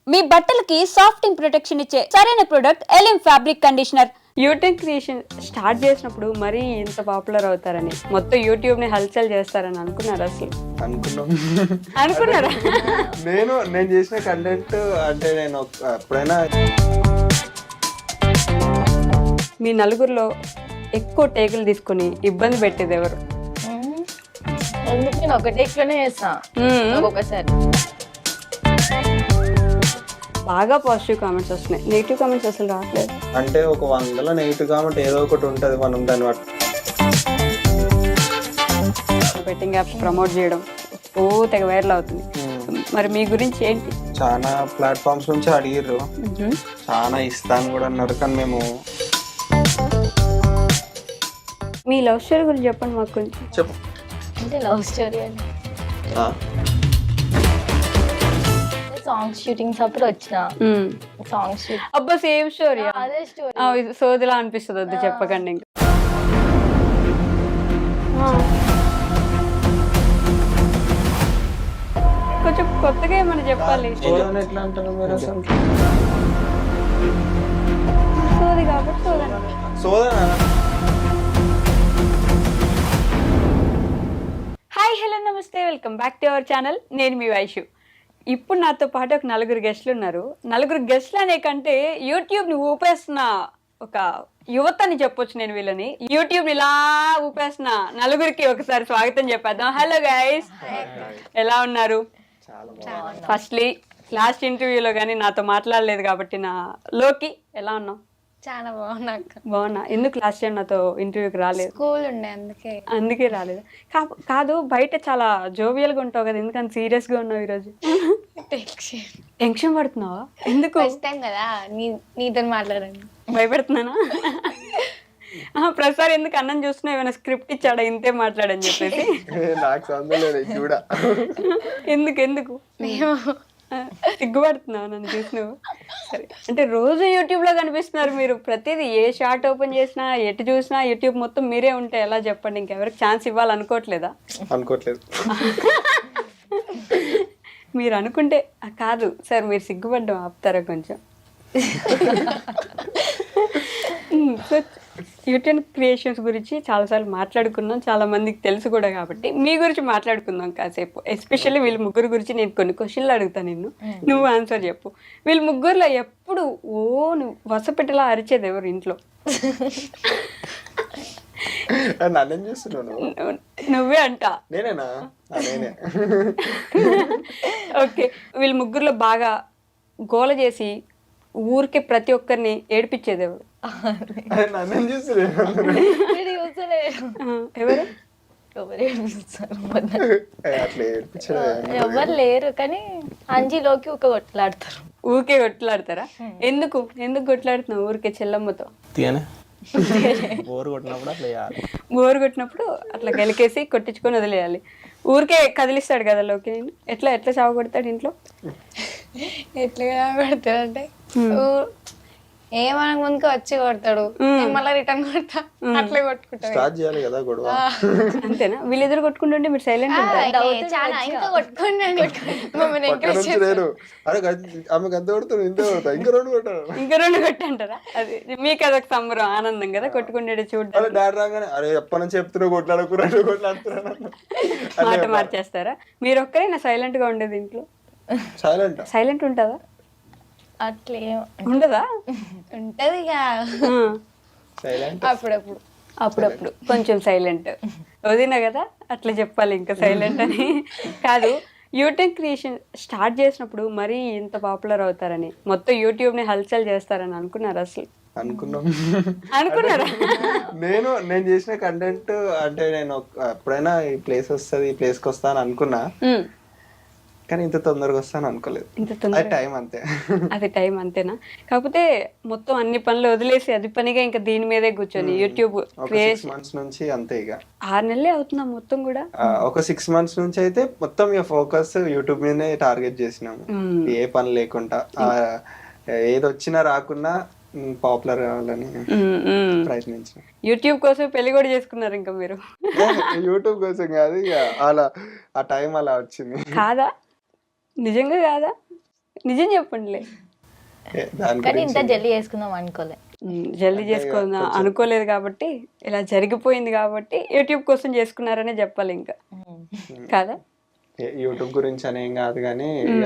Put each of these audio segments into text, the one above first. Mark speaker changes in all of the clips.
Speaker 1: మీ బట్టలకి సాఫ్టింగ్ ప్రొటెక్షన్ ఇచ్చే సరైన ప్రొడక్ట్ ఎలిమ్ fabric conditioner.
Speaker 2: YouTube creation start చేసినప్పుడు మరీ ఇంత పాపులర్ అవుతారని, మొత్తం యూట్యూబ్ ని హల్చల్ చేస్తారని అనుకున్నారు అసలు? అనుకున్నారా?
Speaker 3: నేను చేసిన కంటెంట్ అంటే నేను ఎప్పుడైనా
Speaker 2: మీ నలుగురిలో ఎక్కువ టేకులు తీసుకుని ఇబ్బంది పెట్టేది ఎవరు?
Speaker 4: ఎందుకు నేను ఒక టేక్లోనే చేస్తా ఒక్కొక్కసారి.
Speaker 2: బాగా పాజిటివ్ కామెంట్స్ వస్తున్నాయి, నెగిటివ్ కామెంట్స్ అసలు రావట్లేదు.
Speaker 3: అంటే ఒక 100లో నెగిటివ్ కామెంట్ ఏదో ఒకటి ఉంటుంది, మనం దాన్ని బట్టి
Speaker 2: బెట్టింగ్ యాప్స్ ప్రమోట్ చేయడం ఓ తెగ వైరల్ అవుతుంది. మరి మీ గురించి ఏంటి?
Speaker 3: చాలా ప్లాట్ఫామ్స్ నుంచి అడిగిర్రు, చాలా ఇస్తాను కూడా అన్నారు, కానీ మేము
Speaker 2: మీ లవ్ స్టోరీ గురించి చెప్పండి మాకు కొంచెం.
Speaker 3: చెప్పు.
Speaker 4: అంటే లవ్ స్టోరీ అని సాంగ్స్ షూటింగ్స్ అప్పుడు వచ్చిన సాంగ్స్ షూట్.
Speaker 2: అబ్బా సేమ్ స్టోరీ.
Speaker 4: అదే స్టోరీ.
Speaker 2: సోదిలా అనిపిస్తుంది, వద్దు చెప్పకండి. ఇంకా కొంచెం కొత్తగా ఏమని చెప్పాలి.
Speaker 3: ఎట్లా అంటారు మీరు అసలు?
Speaker 2: సోది కాబట్టి సోదన.
Speaker 3: సోదన.
Speaker 2: హాయ్ హలో నమస్తే, welcome back to our channel. నేను మీ వైషు. ఇప్పుడు నాతో పాటు ఒక నలుగురు గెస్ట్లు ఉన్నారు. నలుగురు గెస్ట్లు అనే కంటే యూట్యూబ్ని ఊపేస్తున్న ఒక యువత అని చెప్పొచ్చు నేను వీళ్ళని. యూట్యూబ్ని ఇలా ఊపేస్తున్న నలుగురికి ఒకసారి స్వాగతం చెప్పేద్దాం. హలో గైస్, ఎలా ఉన్నారు? ఫస్ట్లీ లాస్ట్ ఇంటర్వ్యూలో కానీ నాతో మాట్లాడలేదు కాబట్టి నా లోకి ఎలా ఉన్నావు?
Speaker 4: చాలా బాగున్నా.
Speaker 2: బాగున్నా. ఎందుకు లాస్ట్ టైం నాతో ఇంటర్వ్యూకి రాలేదు?
Speaker 4: స్కూల్ ఉండే
Speaker 2: అందుకే రాలేదు. కాదు, బయట చాలా జోవియల్గా ఉంటావు కదా, ఎందుకని సీరియస్గా ఉన్నావు ఈరోజు? టెన్షన్ పడుతున్నావా? ఎందుకు?
Speaker 4: ఫస్ట్ టైం కదా నీతో మాట్లాడండి.
Speaker 2: భయపెడుతున్నానా? ప్రసాద్ ఎందుకు అన్నం చూస్తున్నా, ఏమైనా స్క్రిప్ట్ ఇచ్చాడా ఇంతే మాట్లాడని చెప్పేసి?
Speaker 3: నాకు సంబంధం లేదు కూడా.
Speaker 2: ఎందుకు సిగ్గుపడుతున్నావు నన్ను చూసి నువ్వు? సరే, అంటే రోజు యూట్యూబ్లో కనిపిస్తున్నారు మీరు. ప్రతిదీ ఏ షార్ట్ ఓపెన్ చేసినా, ఎటు చూసినా యూట్యూబ్ మొత్తం మీరే ఉంటే ఎలా చెప్పండి? ఇంకెవరికి ఛాన్స్ ఇవ్వాలనుకోవట్లేదా?
Speaker 3: అనుకోవట్లేదు.
Speaker 2: మీరు అనుకుంటే కాదు సార్, మీరు సిగ్గుపడ్డం ఆపుతారా కొంచెం? సో యూట్యూబ్ క్రియేషన్స్ గురించి చాలాసార్లు మాట్లాడుకున్నాం, చాలా మందికి తెలుసు కూడా, కాబట్టి మీ గురించి మాట్లాడుకుందాం కాసేపు. ఎస్పెషల్లీ వీళ్ళ ముగ్గురు గురించి నేను కొన్ని క్వశ్చన్లు అడుగుతాను, నువ్వు ఆన్సర్ చెప్పు. వీళ్ళ ముగ్గురులో ఎప్పుడు నువ్వు వసపెట్టేలా అరిచేది ఎవరు ఇంట్లో?
Speaker 3: నన్ను చూస్తున్నాను.
Speaker 2: నువ్వే అంట.
Speaker 3: నేనేనా? నేనే.
Speaker 2: ఓకే, వీళ్ళ ముగ్గురులో బాగా గోల చేసి ఊరికే ప్రతి ఒక్కరిని ఏడిపించేది ఎవరు?
Speaker 3: నన్ను చూస్తున్నాను.
Speaker 2: ఎవరు?
Speaker 3: అట్లా ఏడిపించడం
Speaker 4: ఎవరు లేరు, కానీ అంజీలోకి ఒక కొట్లాడతారు.
Speaker 2: ఊరికే కొట్లాడతారా? ఎందుకు కొట్లాడుతున్నావు ఊరికే చెల్లమ్మతో?
Speaker 3: బోర్ కొట్టినప్పుడు అట్లా చేయాలి.
Speaker 2: బోరు కొట్టినప్పుడు అట్లా గెలికేసి కొట్టించుకొని వదిలేయాలి. ఊరికే కదిలిస్తాడు కదా లోకి. నేను ఎట్లా చావ కొడతాడు ఇంట్లో?
Speaker 4: ఎట్లా కొడతాడంటే ఏమనక ముందుకు వచ్చి కొడతాడు, మళ్ళీ రిటర్న్ కొడతా, అట్లా కొట్టుకుంటాడు.
Speaker 3: స్టార్ట్ చేయాలి కదా గొడవ.
Speaker 2: అంతేనా? వీళ్ళిద్దరు కొట్టుకుంటుంటే మీరు సైలెంట్
Speaker 4: చాలా ఇంకా కొట్టుకోండి.
Speaker 3: అరే ఆమె గంత కొడుతాను, ఇంత కొడతా, ఇంకా రెండు
Speaker 2: కొట్టంటారా? అది మీకు అదొక సంబరం, ఆనందం కదా కొట్టుకుంటే చూడడం.
Speaker 3: అరే డాడీ రాగానే అరే ఎప్పటి నుంచి చెప్తున్నా కొట్లాడుకున్నాను.
Speaker 2: మాట మార్చేస్తారా? మీరు ఒక్కరైనా సైలెంట్ గా ఉండేది ఇంట్లో? సైలెంట్ ఉంటుందా?
Speaker 4: అట్లే
Speaker 2: ఉండదా?
Speaker 4: ఉంటది ఇక అప్పుడప్పుడు
Speaker 2: కొంచెం సైలెంట్. వదినా కదా అట్లా చెప్పాలి, ఇంకా సైలెంట్ అని కాదు. యూట్యూబ్ క్రియేషన్ స్టార్ట్ చేసినప్పుడు మరీ ఇంత పాపులర్ అవుతారని, మొత్తం యూట్యూబ్ ని హల్చల్ చేస్తారని అనుకున్నారు అసలు? అనుకున్నారా?
Speaker 3: నేను చేసిన కంటెంట్ అంటే నేను ఎప్పుడైనా ఈ ప్లేస్ వస్తుంది, ఈ ప్లేస్ కి వస్తాను అనుకున్నా, కానీ ఇంత తొందరగా వస్తాను అనుకోలేదు. అది టైం అంతేనా? కాకపోతే మొత్తం అన్ని పనులు వదిలేసి అది పనిగా ఇంకా దీని మీదే కూర్చొని యూట్యూబ్ క్రియేషన్ నుంచి అంతే. ఇక
Speaker 2: 6 నెలలే అవుతున్నా మొత్తం కూడా.
Speaker 3: ఒక 6 months నుంచి అయితే మొత్తం ఇక ఫోకస్ యూట్యూబ్ మీదనే టార్గెట్ చేసినాము. ఏ పని లేకుండా, ఏది వచ్చినా రాకున్నా పాపులర్ కావాలని ప్రయత్నించిన.
Speaker 2: యూట్యూబ్ కోసం పెళ్లి కూడా చేసుకున్నారు ఇంకా మీరు?
Speaker 3: యూట్యూబ్ కోసం కాదు, ఇక అలా ఆ టైం అలా వచ్చింది.
Speaker 2: కాదా? నిజంగా కాదా? నిజం చెప్పండిలే.
Speaker 3: దాని
Speaker 4: కానీ ఇంత
Speaker 3: గురించి
Speaker 4: జల్దీ చేసుకుందాం అనుకోలే.
Speaker 2: జల్దీ చేసుకుందాం అనుకోలేదు కాబట్టి, ఇలా జరిగిపోయింది కాబట్టి యూట్యూబ్ కోసం చేసుకున్నారనే చెప్పాలి ఇంకా కాదా.
Speaker 3: యూట్యూబ్ గురించి అనేం కాదు కానీ ఇక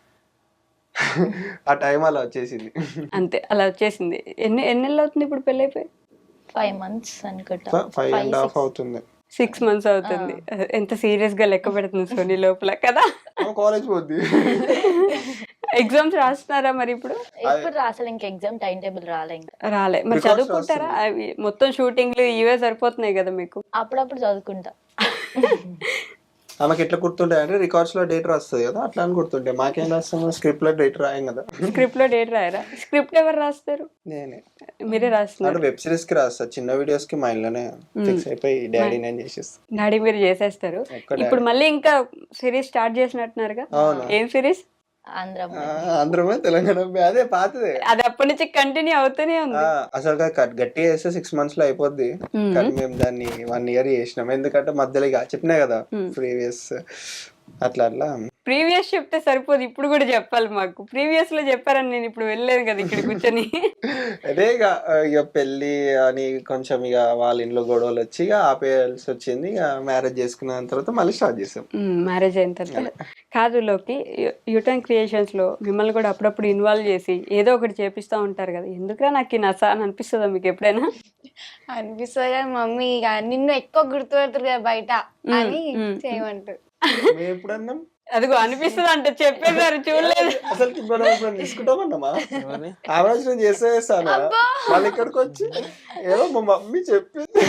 Speaker 3: ఆ టైం అలా వచ్చేసింది.
Speaker 2: అంతే, అలా వచ్చేసింది. ఎన్ని నెలలు అవుతుంది ఇప్పుడు పెళ్ళైపోయి?
Speaker 4: 5 months అనుకుంటా.
Speaker 3: 5.5 అవుతుంది.
Speaker 2: 6 months అవుతుంది. ఎంత సీరియస్ గా లెక్క పెడుతుంది సోనీ లోపల కదా.
Speaker 3: కాలేజ్ పోద్ది.
Speaker 2: ఎగ్జామ్స్ రాస్తున్నారా మరి ఇప్పుడు?
Speaker 4: ఇప్పుడు అసలు ఇంకా ఎగ్జామ్ టైం టేబుల్ రాలే ఇంకా.
Speaker 2: రాలే మరి
Speaker 3: Records
Speaker 2: చదువుకుంటారా? అవి మొత్తం షూటింగ్లు ఇవే సరిపోతున్నాయి కదా మీకు.
Speaker 4: అప్పుడప్పుడు చదువుకుంటా.
Speaker 3: ఆమెకి ఎట్లా గుర్తుంటాయి అంటే రికార్డ్స్ లో డేట్ రాస్తుంది కదా, అట్లా అని గుర్తుంటాయి. మాకేం రాస్తాము, స్క్రిప్ట్ లో డేట్ రాయం కదా.
Speaker 2: స్క్రిప్ట్ లో డేట్ రాయరా? స్క్రిప్ట్ ఎవరు రాస్తారు?
Speaker 3: నేనే.
Speaker 2: మీరే రాస్తున్నారు?
Speaker 3: అంటే వెబ్ సిరీస్ కి రాస్తా, చిన్న వీడియోస్ కి మా ఇంట్లోనే ఫిక్స్ అయిపోయి డాడీ నేను చేసేస్తాను.
Speaker 2: డాడీ మీరు చేసేస్తారు. ఇప్పుడు మళ్ళీ ఇంకా సిరీస్ స్టార్ట్ చేసినట్టున్నారుగా. ఏం సిరీస్?
Speaker 3: ఆంధ్రమే తెలంగాణ అదే పాతదే.
Speaker 2: అది అప్పటి నుంచి కంటిన్యూ అవుతూనే ఉంది.
Speaker 3: అసలు గట్టిగా వేస్తే 6 months లో అయిపోద్ది. కానీ మేము దాన్ని 1 year చేసినాం. ఎందుకంటే మధ్యలో ఇక చెప్పినా కదా ప్రీవియస్ అట్లా అట్లా.
Speaker 2: ప్రీవియస్ చెప్తే సరిపోదు, ఇప్పుడు కూడా చెప్పాలి మాకు. ప్రీవియస్ లో చెప్పారని నేను ఇప్పుడు వెళ్ళలేదు కదా ఇక్కడ కూర్చొని.
Speaker 3: అదే ఇక పెళ్లి అని కొంచెం ఇక వాళ్ళ ఇంట్లో గొడవలు వచ్చి ఇక ఆపేయాల్సి వచ్చింది. ఇక మ్యారేజ్ చేసుకున్న తర్వాత మళ్ళీ స్టార్ట్ చేసాం.
Speaker 2: మ్యారేజ్ అయిన తర్వాత కాదు లోకి, యూటర్న్ క్రియేషన్స్ లో మిమ్మల్ని కూడా అప్పుడప్పుడు ఇన్వాల్వ్ చేసి ఏదో ఒకటి చేపిస్తూ ఉంటారు కదా. ఎందుకురా నాకు ఈ నస అని అనిపిస్తుందా మీకు ఎప్పుడైనా?
Speaker 4: అనిపిస్తుంది కానీ మమ్మీ ఇక నిన్ను ఎక్కువ గుర్తుపెడతారు కదా బయట అని చేయమంటారు.
Speaker 3: ఎప్పుడన్నాం
Speaker 2: అదిగో అనిపిస్తుంది అంటే చెప్పేసారు, చూడలేదు.
Speaker 3: అసలు తీసుకుంటామన్నామా? ఆలోచన చేసేస్తాను మళ్ళీ ఇక్కడికి వచ్చి ఏదో మా మమ్మీ చెప్పింది.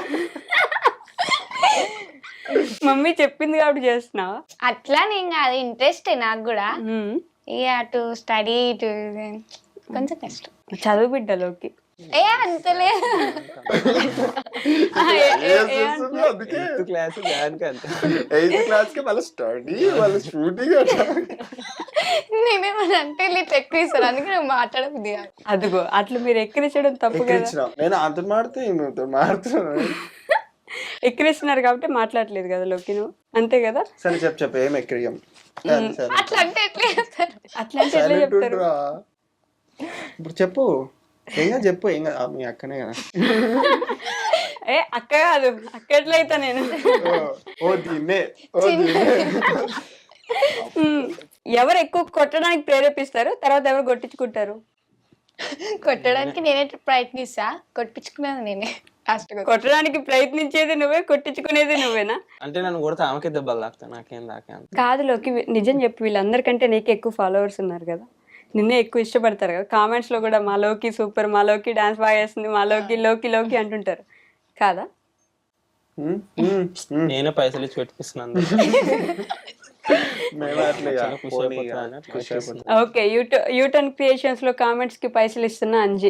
Speaker 2: మమ్మీ చెప్పింది కాబట్టి చేస్తున్నావా?
Speaker 4: అట్లా నేను కాదు, ఇంట్రెస్ట్ నాకు కూడా. ఇక అటు స్టడీ ఇటు కొంచెం కష్టం.
Speaker 2: చదువు బిడ్డలోకి
Speaker 4: అంతలే.
Speaker 3: క్లాస్ క్లాస్ కి మళ్ళీ స్టడీ మళ్ళీ షూటింగ్.
Speaker 4: నేనేమన్నా అంటే ఎక్కువ ఇస్తాను, అందుకే నువ్వు మాట్లాడబుద్ది కాదు.
Speaker 2: అదిగో అట్లా మీరు ఎక్కిరించడం తప్పు కదా.
Speaker 3: నేను అంత మాడుతున్నాను.
Speaker 2: ఎక్కిరిస్తున్నారు కాబట్టి మాట్లాడలేదు కదా లోకి నువ్వు, అంతే కదా.
Speaker 3: సరే చెప్పు ఏం ఎక్కిరియం.
Speaker 4: అట్లా అంటే ఎట్లా చేస్తారు?
Speaker 2: అట్లా అంటే ఎట్లా చెప్తారు?
Speaker 3: ఇప్పుడు చెప్పు, ఏం చెప్పు. ఏం మీ అక్కనే కదా.
Speaker 2: ఏ అక్క కాదు, అక్క ఎట్లయితా నేను. ఎవరు ఎక్కువ కొట్టడానికి ప్రేరేపిస్తారు, తర్వాత ఎవరు కొట్టించుకుంటారు?
Speaker 4: కొట్టడానికి నేనే ప్రయత్నిస్తా, కొట్టించుకునేది నేనే.
Speaker 2: కొట్టడానికి ప్రయత్నించేది నువ్వే, కొట్టించుకునేది నువ్వేనా?
Speaker 5: అంటే నన్ను కొడితే ఆమెకే దెబ్బలు తాకుతాయి, నాకేం తాకే.
Speaker 2: కాదు లోకి, నిజం చెప్పు, వీళ్ళందరికంటే నీకు ఎక్కువ ఫాలోవర్స్ ఉన్నారు కదా, నిన్నే ఎక్కువ ఇష్టపడతారు కదా. కామెంట్స్ లో కూడా మా లోకి సూపర్, మా లోకి డాన్స్ బాగా చేస్తుంది, మా లోకి లోకి లోకి అంటుంటారు కాదా?
Speaker 5: నేనే పైసలు ఇచ్చి పెట్టిస్తున్నాను.
Speaker 2: ఓకే, యూటర్న్ క్రియేషన్స్ లో కామెంట్స్ కి పైసలు ఇస్తున్నా అంజీ.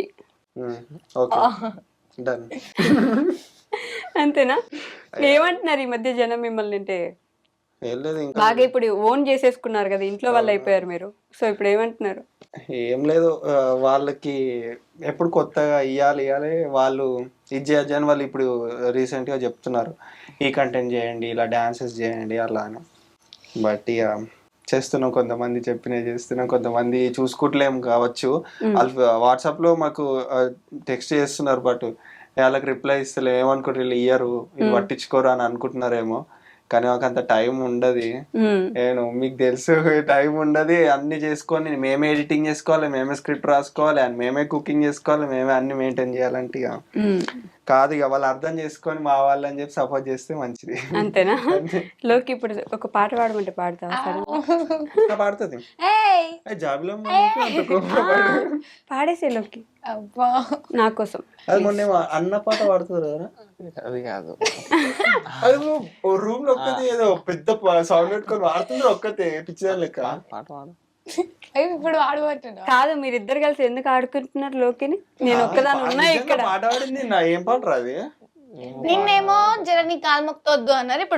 Speaker 2: అంతేనా? ఏమంటున్నారు ఈ మధ్య జనం మిమ్మల్ని? అంటే బాగా ఇప్పుడు ఓన్ చేసేసుకున్నారు కదా, ఇంట్లో వాళ్ళు అయిపోయారు మీరు. సో ఇప్పుడు ఏమంటున్నారు?
Speaker 3: ఏం లేదు, వాళ్ళకి ఎప్పుడు కొత్తగా ఇవ్వాలి వాళ్ళు ఇది చేయొచ్చు అని వాళ్ళు ఇప్పుడు రీసెంట్ గా చెప్తున్నారు, ఈ కంటెంట్ చేయండి, ఇలా డాన్సెస్ చేయండి అలా అని. బట్ ఇక చేస్తున్నాం, కొంతమంది చెప్పినవి చేస్తున్నాం, కొంతమంది చూసుకుంటలేం కావచ్చు. వాళ్ళు వాట్సాప్ లో మాకు టెక్స్ట్ చేస్తున్నారు, బట్ వాళ్ళకి రిప్లై ఇస్తలే. ఏమనుకుంటారు వీళ్ళు ఇయ్యరు, వీళ్ళు పట్టించుకోరు అని అనుకుంటున్నారేమో. కానీ మాకు అంత టైం ఉండదు. నేను మీకు తెలుసు, టైం ఉండదు. అన్ని చేసుకొని మేమే ఎడిటింగ్ చేసుకోవాలి, మేమే స్క్రిప్ట్ రాసుకోవాలి, అండ్ మేమే కుకింగ్ చేసుకోవాలి, మేమే అన్ని మెయింటైన్ చేయాలంటే ఇక కాదు. ఇక వాళ్ళు అర్థం చేసుకొని మా వాళ్ళు అని చెప్పి సపోర్ట్ చేస్తే మంచిది.
Speaker 2: అంతేనా? లోకి ఇప్పుడు ఒక పాట పాడమంటే పాడతావా?
Speaker 3: పాడుతుంది జాబిలో
Speaker 2: పాడేసే లోకి నా కోసం.
Speaker 3: అది మొన్న అన్న పాట పాడుతుంది కదా,
Speaker 5: అది కాదు.
Speaker 3: అది రూమ్ లో ఒక్కతే ఏదో పెద్ద సౌండ్ పెట్టుకొని వాడుతుంది ఒక్కతే పిచ్చిదాని లెక్క.
Speaker 5: పాట పాడు.
Speaker 4: ఇప్పుడు ఆడబోతున్నా
Speaker 2: కాదు, మీరిద్దరు కలిసి ఎందుకు ఆడుకుంటున్నారు లోకిని? నేను ఒక్కదాని ఉన్నా ఇక్కడ.
Speaker 3: పాట పాడింది నా ఏం పాట రాది.
Speaker 4: నిన్నేమో జర నీ కాలు మొక్కొద్దు అన్నారు, ఇప్పుడు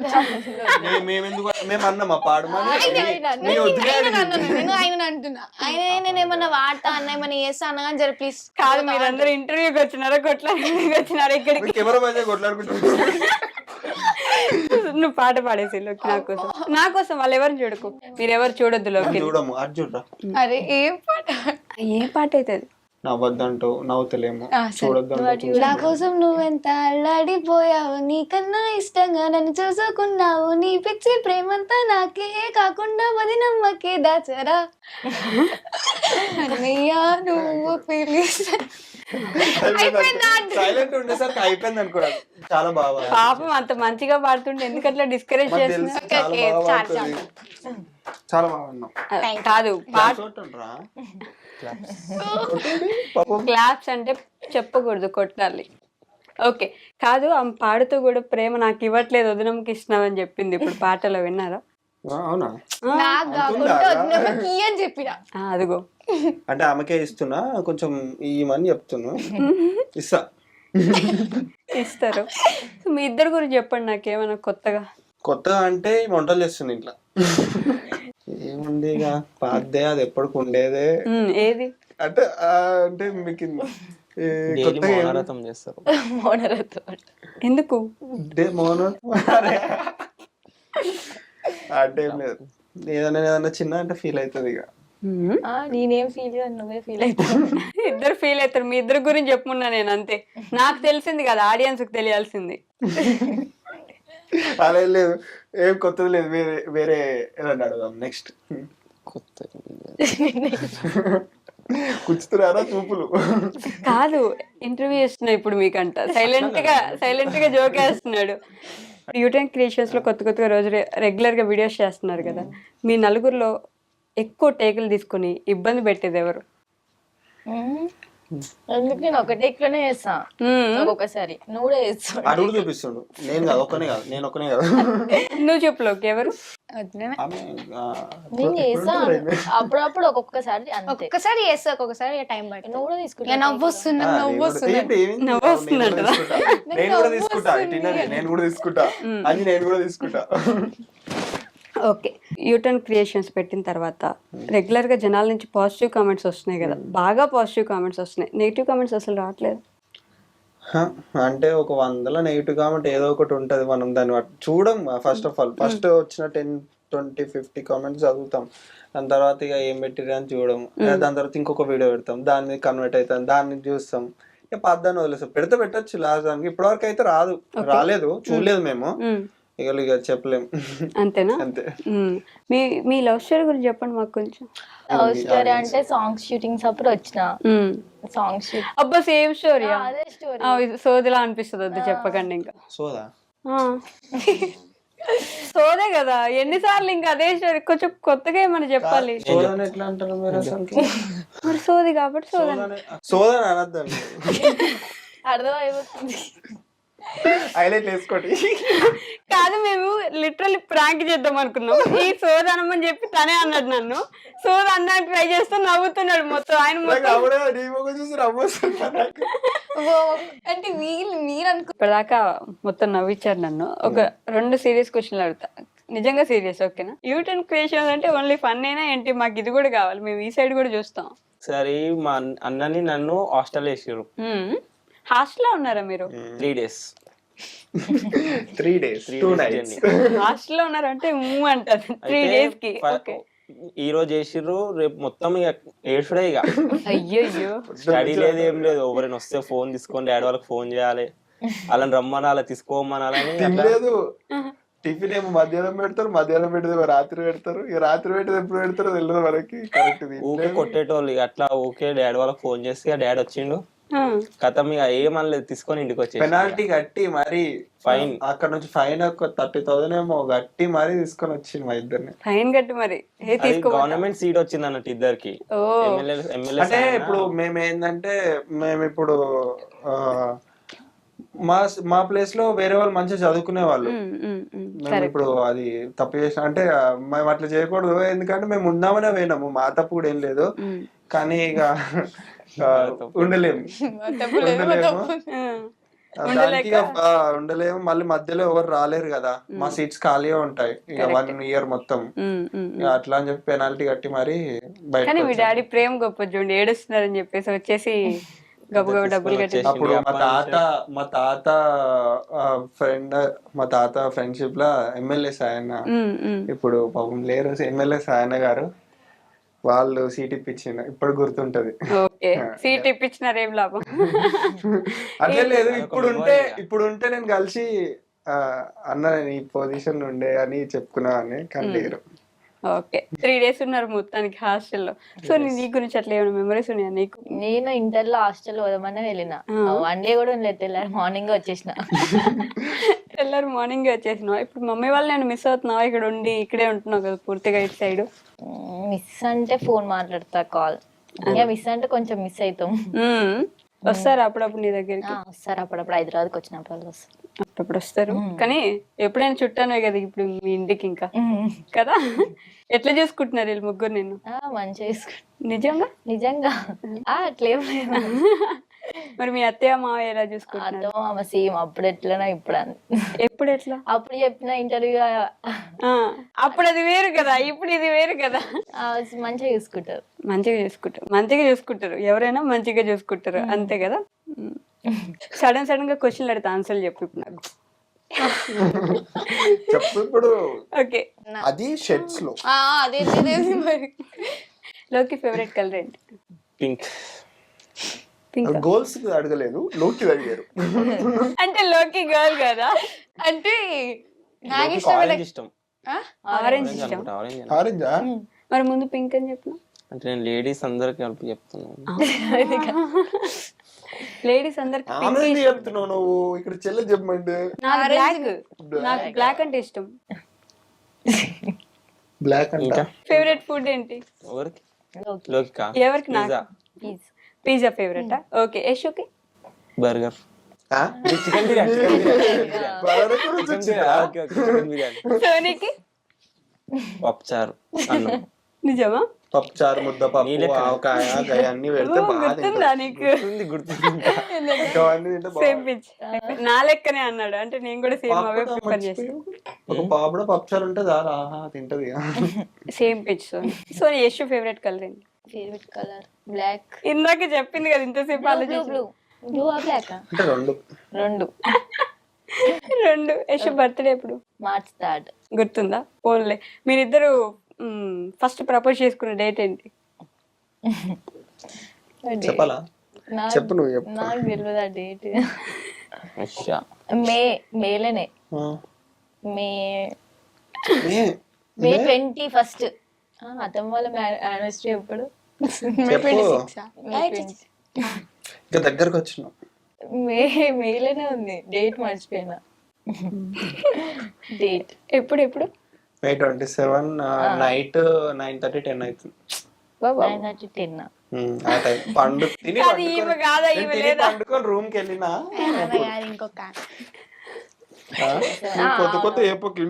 Speaker 3: మేము అన్నామా పాడమని.
Speaker 4: నేను ఆయన అంటున్నా, ఆయన నేనేమన్నా వాడతా అన్న ఏమన్నా చేస్తా అన్నా కానీ జర ప్లీజ్.
Speaker 2: కాదు, మీరందరూ ఇంటర్వ్యూకి వచ్చినారా కొట్లాడికి వచ్చినారా? ఇక్కడికి
Speaker 3: కెమెరా మధ్య కొట్లాడుకుంటున్నారు.
Speaker 2: నువ్వు పాట పాడేసి లోకి నా కోసం వాళ్ళు ఎవరిని చూడకు, మీరు ఎవరు చూడొద్దు లోకి.
Speaker 3: చూడము అది చూడరా.
Speaker 4: అరే ఏం పాట?
Speaker 2: ఏ పాట అవుతుంది?
Speaker 3: నవ్వద్దంటూ నవ్వుతలేము, చూడొద్దంటూ
Speaker 4: నా కోసం నువ్వెంత అల్లాడిపోయావు, నీకన్నా ఇష్టంగా నన్ను చూసుకున్నావు, నీ పిచ్చి ప్రేమంతా నాకే కాకుండా మది నమ్మకే దాచరా అన్నయ్యా నువ్వు
Speaker 3: సైలెంట్ ఉండేసరికి అయిపోయింది అనుకోరా. చాలా బాగా
Speaker 2: పాపం అంత మంచిగా పాడుతుంటే ఎందుకట్లా డిస్కరేజ్ చేస్తున్నా?
Speaker 3: చాలా బాగా ఉన్నాం.
Speaker 2: కాదు
Speaker 3: చూడండిరా.
Speaker 2: క్లాప్స్ అంటే చెప్పకూడదు, కొట్టాలి. ఓకే కాదు, ఆమె పాడుతూ కూడా ప్రేమ నాకు ఇవ్వట్లేదు వదినమ్మకి ఇస్తున్నామని చెప్పింది. ఇప్పుడు పాటలో విన్నారా?
Speaker 3: అవునా?
Speaker 4: నాకు కాకుండా వదినమ్మకి అని చెప్పిన.
Speaker 2: అదిగో
Speaker 3: అంటే ఆమెకే ఇస్తున్నా, కొంచెం ఇవ్వమని చెప్తున్నా. ఇస్తా,
Speaker 2: ఇస్తారు. మీ ఇద్దరు గురించి చెప్పండి నాకేమైనా కొత్తగా.
Speaker 3: కొత్తగా అంటే వంటలు చేస్తుంది ఇంట్లో. ఏముంది ఇక పాదే, అది ఎప్పటికి ఉండేదే.
Speaker 2: ఏది
Speaker 3: అంటే అంటే మీకు
Speaker 5: డైలీ మౌనరథం చేస్తారు.
Speaker 2: ఎందుకు
Speaker 3: అంటే ఏం లేదు, ఏదైనా చిన్న అంటే ఫీల్ అవుతుంది ఇక.
Speaker 4: నేనేం ఫీల్ నువ్వే ఫీల్ అవుతావు.
Speaker 2: ఇద్దరు ఫీల్ అవుతారు. మీ ఇద్దరు గురించి చెప్పుకున్నా నేను, అంతే. నాకు తెలిసింది కదా, ఆడియన్స్ కి తెలియాల్సింది.
Speaker 3: అలా లేదు, ఏం కొత్తది లేదు. వేరే వేరే ఏదన్నా అడుగుదాం నెక్స్ట్.
Speaker 5: కొత్త
Speaker 3: కూర్చుతున్నారా చూపులు?
Speaker 2: కాదు, ఇంటర్వ్యూ చేస్తున్నా ఇప్పుడు మీకంట. సైలెంట్ గా జోక్ వేస్తున్నాడు. యూటెన్ క్రియేషన్స్ లో కొత్తగా రోజు రెగ్యులర్ గా వీడియోస్ చేస్తున్నారు కదా. మీ నలుగురిలో ఎక్కువ టేకులు తీసుకుని ఇబ్బంది పెట్టేది ఎవరు?
Speaker 4: ఎందుకు నేను ఒక టేక్ లోనే చేస్తా, ఒక్కొక్కసారి నువ్వు కూడా చేస్తావు.
Speaker 3: అడుగు చూపిస్తుండు. నేను కాదు, ఒక్కనే కాదు, నేను ఒక్కనే కాదు.
Speaker 2: నువ్వు చెప్పులోకి ఎవరు?
Speaker 4: నేను చేస్తా అప్పుడప్పుడు, ఒక్కొక్కసారి చేస్తా, ఒక్కొక్కసారి టైం పడుతుంది. నువ్వు కూడా తీసుకుంటా. నవ్వు వస్తుంది.
Speaker 3: నేను కూడా తీసుకుంటా అని, నేను కూడా తీసుకుంటా.
Speaker 2: ఓకే, యూటర్న్ క్రియేషన్స్ పెట్టిన తర్వాత రెగ్యులర్ గా జనాల నుంచి పాజిటివ్ కామెంట్స్ వస్తున్నాయి కదా, బాగా పాజిటివ్ కామెంట్స్ వస్తున్నాయి. నెగిటివ్ కామెంట్స్ అసలు రావట్లేదు.
Speaker 3: అంటే ఒక 100 నెగిటివ్ కామెంట్ ఏదో ఒకటి ఉంటది. మనం దాన్ని చూడం. ఫస్ట్ ఆఫ్ ఆల్ ఫస్ట్ వచ్చిన 10, 20, 50 కామెంట్స్ చదువుతాం. దాని తర్వాత ఇక ఏం పెట్టిరు అని చూడడం. దాని తర్వాత ఇంకొక వీడియో పెడతాం, దాన్ని కన్వర్ట్ అవుతాం, దాన్ని చూస్తాం. ఇక పద్దాన్ని వదిలేస్తాం. పెట్టచ్చు లాస్ట్ దానికి. ఇప్పటివరకు అయితే రాలేదు, చూడలేదు మేము. ఇక చెప్పలేం.
Speaker 2: అంతేనా?
Speaker 3: అంతే.
Speaker 2: మీ లవ్ స్టోరీ గురించి చెప్పండి మాకు కొంచెం.
Speaker 4: లవ్ స్టోరీ అంటే సాంగ్స్ షూటింగ్స్ అప్పుడు వచ్చిన సాంగ్స్ షూట్.
Speaker 2: అబ్బా సేమ్ స్టోరీ.
Speaker 4: అదే స్టోరీ.
Speaker 2: సోదిలా అనిపిస్తుంది, వద్దు చెప్పకండి. ఇంకా
Speaker 3: సోదా
Speaker 2: సోదే కదా, ఎన్నిసార్లు ఇంకా అదే స్టోరీ. కొంచెం కొత్తగా ఏమన్నా చెప్పాలి.
Speaker 3: సోదాని ఎట్లా అంటారు మీరు అసలు?
Speaker 2: మరి సోది కాబట్టి
Speaker 3: సోదాని అనద్దండి,
Speaker 4: అర్థం అయిపోతుంది.
Speaker 3: హైలైట్ వేసుకోండి.
Speaker 2: కాదు, మేము లిటరల్లీ ప్రాంక్ చేద్దాం అనుకున్నాం. ఈ సోదనమని చెప్పి తనే అన్నాడు నన్ను. సోద అన్నానికి ట్రై చేస్తూ నవ్వుతున్నాడు మొత్తం. ఆయన
Speaker 4: అంటే మీరు అనుకో.
Speaker 2: ఇప్పటిదాకా మొత్తం నవ్వించారు నన్ను. ఒక 2 సీరియస్ క్వశ్చన్లు అడుగుతా, నిజంగా సీరియస్, ఓకేనా? యూటర్న్ క్రియేషన్ అంటే ఓన్లీ ఫన్ అయినా ఏంటి? మాకు ఇది కూడా కావాలి, మేము ఈ సైడ్ కూడా చూస్తాం.
Speaker 5: సరే, మా అన్నని నన్ను హాస్టల్ వేసారు.
Speaker 2: హాస్టల్లో ఉన్నారా మీరు?
Speaker 5: 3 days.
Speaker 3: 3 days 2 nights
Speaker 2: హాస్టల్లో ఉన్నారంటే అంటారు 3 days కి. ఓకే,
Speaker 5: ఈ రోజు వేసిర్రు, రేపు మొత్తం ఇక ఏడ్చుడే. ఇక
Speaker 2: అయ్యో,
Speaker 5: స్టడీ లేదు, ఏం లేదు. ఎవరైనా వస్తే ఫోన్ తీసుకొని డాడీ వాళ్ళకి ఫోన్ చేయాలి, వాళ్ళని రమ్మనాలి, తీసుకోమనాలని.
Speaker 3: లేదు, టిఫిన్ ఏమో మధ్యాహ్నం పెడతారు, మధ్యాహ్నం పెట్టేది రాత్రి పెడతారు. ఇక రాత్రి పెట్టేది ఎప్పుడు పెడతారో తెలియదు మనకి.
Speaker 5: ఊకే కొట్టేటోళ్ళు. ఇక అట్లా ఓకే డాడీ వాళ్ళకి ఫోన్ చేస్తే డాడీ వచ్చిండు, కథ ఇక ఏమనలేదు, తీసుకొని ఇంటికి వచ్చి
Speaker 3: పెనాల్టీ కట్టి మరి
Speaker 5: ఫైన్,
Speaker 3: అక్కడ నుంచి ఫైన్ ఒక 30,000 ఏమో కట్టి మరి తీసుకొని వచ్చింది మా ఇద్దరిని.
Speaker 2: ఫైన్ కట్టి మరి
Speaker 5: గవర్నమెంట్ సీట్ వచ్చింది అన్నట్టు ఇద్దరికి.
Speaker 3: అంటే ఇప్పుడు మేము ఏంటంటే, మేము ఇప్పుడు మా ప్లేస్ లో వేరే వాళ్ళు మంచిగా చదువుకునే వాళ్ళు. మేము ఇప్పుడు అది తప్పు చేసిన అంటే మేము అట్లా చేయకూడదు. ఎందుకంటే మేము ఉందామనే పోయినాము, మా తప్పు కూడా ఏం లేదు. కానీ ఇక ఉండలేము. మళ్ళీ మధ్యలో ఎవరు రాలేరు కదా, మా సీట్స్ ఖాళీగా ఉంటాయి ఇక 1 year మొత్తం. అట్లా అని చెప్పి పెనాల్టీ కట్టి మరి
Speaker 2: బయట. మీ డాడీ ప్రేమ గొప్ప చూడండి, ఏడుస్తున్నారని చెప్పేసి వచ్చేసి గబగబ డబ్బులు కట్టి
Speaker 3: అప్పుడు మా తాత ఫ్రెండ్ మా తాత ఫ్రెండ్షిప్ లా ఎమ్మెల్యే సాయన్న ఇప్పుడు పాపం లేరు ఎమ్మెల్యే సాయన్న గారు వాళ్ళు సీట్ ఇప్పించిండు ఇప్పుడు గుర్తుంటది.
Speaker 2: ఓకే సీట్ ఇప్పించినారు ఏం లాభం.
Speaker 3: అట్లే లేదు ఇప్పుడు ఉంటే నేను కలిసి అన్న నేను ఈ పొజిషన్ ఉండే అని చెప్పుకున్నా అని కానీ లేరు.
Speaker 2: ఓకే 3 days ఉన్నారు మొత్తానికి హాస్టల్లో. సో నీ గురించి అట్లా ఏమైనా మెమరీస్ ఉన్నాయా నీకు?
Speaker 4: నేను ఇంటర్ లో హాస్టల్ పోదామని వెళ్ళిన, వన్ డే కూడా ఉండలేదు, తెల్లారి మార్నింగ్ వచ్చేసిన.
Speaker 2: తెల్లారు మార్నింగ్ వచ్చేసినావు. ఇప్పుడు మమ్మీ వాళ్ళు నేను మిస్ అవుతున్నావా? ఇక్కడ ఉండి ఇక్కడే ఉంటున్నావు కదా పూర్తిగా ఇటు సైడ్.
Speaker 4: మిస్ అంటే ఫోన్ మాట్లాడతా, కాల్. ఇంకా మిస్ అంటే కొంచెం మిస్ అవుతాం.
Speaker 2: వస్తారు అప్పుడప్పుడు నీ దగ్గరికి?
Speaker 4: వస్తారు అప్పుడప్పుడు, హైదరాబాద్కి వచ్చినప్పుడు వాళ్ళు వస్తారు.
Speaker 2: అప్పుడప్పుడు వస్తారు కానీ ఎప్పుడైనా చుట్టానే కదా ఇప్పుడు మీ ఇంటికి ఇంకా కదా. ఎట్లా చూసుకుంటున్నారు వీళ్ళు ముగ్గురు నేను?
Speaker 4: మంచిగా చూసుకుంటా.
Speaker 2: నిజంగా
Speaker 4: నిజంగా అట్లేం లేదు.
Speaker 2: మరి మీ అత్తయ్య మావయ్య ఎలా చూసుకుంటున్నారు?
Speaker 4: అతో మామ సేమ్, అప్పుడు ఎట్లనా ఇప్పుడు
Speaker 2: ఎప్పుడు ఎట్లా?
Speaker 4: అప్పుడు చెప్పిన ఇంటర్వ్యూ
Speaker 2: అప్పుడు అది వేరు కదా, ఇప్పుడు ఇది వేరు కదా.
Speaker 4: మంచిగా చూసుకుంటారు.
Speaker 2: మంచిగా చూసుకుంటారు ఎవరైనా మంచిగా చూసుకుంటారు అంతే కదా. సడన్ గా క్వశ్చన్లు అడితే ఆన్సర్లు చెప్పు ఇప్పుడు నాకు.
Speaker 3: చెప్పు ఇప్పుడు.
Speaker 2: ఓకే
Speaker 3: అది షర్ట్స్ లో
Speaker 4: అదే మరి.
Speaker 2: లోకి ఫేవరెట్ కలర్ ఏంటి?
Speaker 5: పింక్.
Speaker 2: పింక్
Speaker 3: గోల్స్ అడగలేదు, లోకి అడిగారు.
Speaker 2: అంటే లోకి గర్ల్ కదా, అంటే
Speaker 4: నాకు
Speaker 5: ఆరెంజ్ ఇష్టం.
Speaker 2: ఆరెంజ్ ఇష్టం.
Speaker 3: ఆరెంజా?
Speaker 2: మరి ముందు పింక్ అని చెప్పిన.
Speaker 5: అంటే నేను లేడీస్ అందరికి కలిపి చెప్తున్నాను.
Speaker 2: లేడీస్ అందరికి
Speaker 3: ఆరెంజ్ చెప్తున్నావు నువ్వు, ఇక్కడ చెల్లె చెప్పమంటే.
Speaker 2: నాకు బ్లాక్ అంటే ఇష్టం.
Speaker 3: బ్లాక్ అంటే
Speaker 2: ఫేవరెట్ ఫుడ్ ఏంటి?
Speaker 5: ఎవరికి? లోకికా?
Speaker 2: ఎవరికి? నాకు పిజ్జా ఫేవరెట్. ఓకే యశోకి?
Speaker 5: బర్గర్. చికెన్ బిర్యానీ.
Speaker 2: సోనీకి?
Speaker 5: పప్పుచారు అన్నం.
Speaker 2: నిజమా?
Speaker 3: పప్పుచారు, ముద్ద పప్పు, ఆవకాయ, గయ అన్ని పెడితే
Speaker 2: గుర్తుందా నీకు? సేమ్ పిచ్ నా లెక్కనే అన్నాడు. అంటే నేను కూడా సేమ్ అవే ప్రిఫర్ చేస్తాను.
Speaker 3: ఒక పాపడ పప్పుచారు ఉంటే చాలా తింటది.
Speaker 2: Same pitch. So Yash favourite colour ఏంటి?
Speaker 4: Favourite colour black.
Speaker 2: ఇందాక చెప్పింది కదా ఇంతసేపు ఆలోచించు.
Speaker 4: బ్లూ బ్లాక్
Speaker 3: అంటే
Speaker 2: రెండు. యశ్ బర్త్డే ఎప్పుడు?
Speaker 4: March 3rd.
Speaker 2: గుర్తుందా? ఓన్లీ మీరిద్దరు ఫస్ట్ ప్రపోజ్ చేసుకున్న డేట్ ఏంటి?
Speaker 3: చెప్పాలా? చెప్పు నువ్వు చెప్పు.
Speaker 4: నాకు తెలియదు ఆ డేట్. మేలోనే మే 21st. అతను వాళ్ళ యానివర్సరీ ఎప్పుడు?
Speaker 3: ఇంకా దగ్గరకు వచ్చినావు.
Speaker 4: మేలోనే ఉంది, డేట్ మర్చిపోయినా. డేట్
Speaker 2: ఎప్పుడు?
Speaker 3: May 27 నైట్ 9:30 10 అవుతుంది.
Speaker 4: 9:30 10.
Speaker 3: ఆ టైం తిని పండుకొని రూమ్ కి వెళ్ళినా
Speaker 4: ఇంకొక
Speaker 3: కొత్త ఏపోకి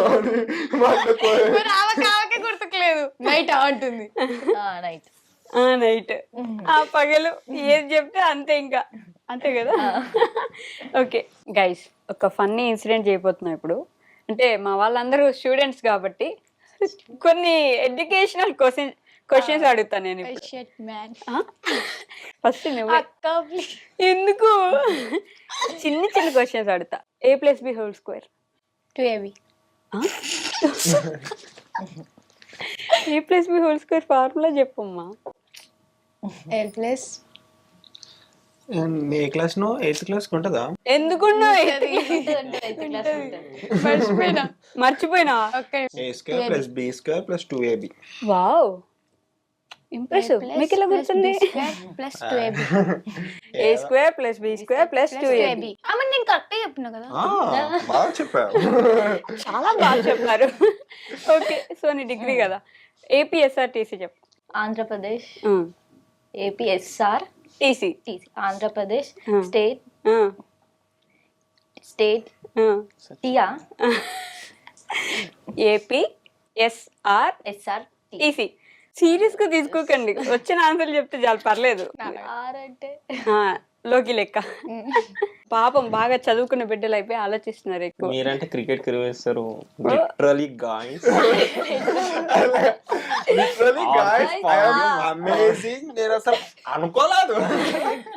Speaker 4: గుర్తుకులేదు. నైట్ అంటుంది.
Speaker 2: నైట్ ఆ పగలు ఏది చెప్తే అంతే, ఇంకా అంతే కదా. ఓకే గైస్, ఒక ఫన్నీ ఇన్సిడెంట్ చేయబోతున్నాం ఇప్పుడు. అంటే మా వాళ్ళందరూ స్టూడెంట్స్ కాబట్టి కొన్ని ఎడ్యుకేషనల్ క్వశ్చన్స్ అడుగుతాను నేను ఇప్పుడు. ఫస్ట్ నువ్వు ఎందుకు చిన్న క్వశ్చన్స్ అడుగుతా. A+B²
Speaker 4: 2AB.
Speaker 2: A+B² ఫార్ములా చెప్పమ్మా.
Speaker 4: L+
Speaker 3: A class no 8th class ఉంటుందా?
Speaker 2: ఎందుకున్నా మర్చిపోయినా.
Speaker 3: A² + B² + 2AB.
Speaker 2: Wow impressive. మీకు ఎలా గుర్తుంది?
Speaker 4: +2AB.
Speaker 2: A² + B² + 2AB.
Speaker 4: నేను కరెక్ట్ చెప్పినా కదా.
Speaker 3: బాగా చెప్పావు,
Speaker 2: చాలా బాగా చెప్పారు. ఓకే సో నీ డిగ్రీ కదా. APSRTC చెప్పు.
Speaker 4: Andhra Pradesh. APSR
Speaker 2: TC.
Speaker 4: Andhra Pradesh state టియా
Speaker 2: APSRTC. సీరియస్ గా తీసుకోకండి, వచ్చిన ఆన్సర్లు చెప్తే చాలు, పర్లేదు. లోకి లెక్క. పాపం బాగా చదువుకున్న బిడ్డలు అయిపోయి ఆలోచిస్తున్నారు ఎక్కువ.
Speaker 5: మీరంటే క్రికెట్ కిరివేస్తారు. Literally guys
Speaker 3: amazing. నేను అసలు అనుకోలేదు.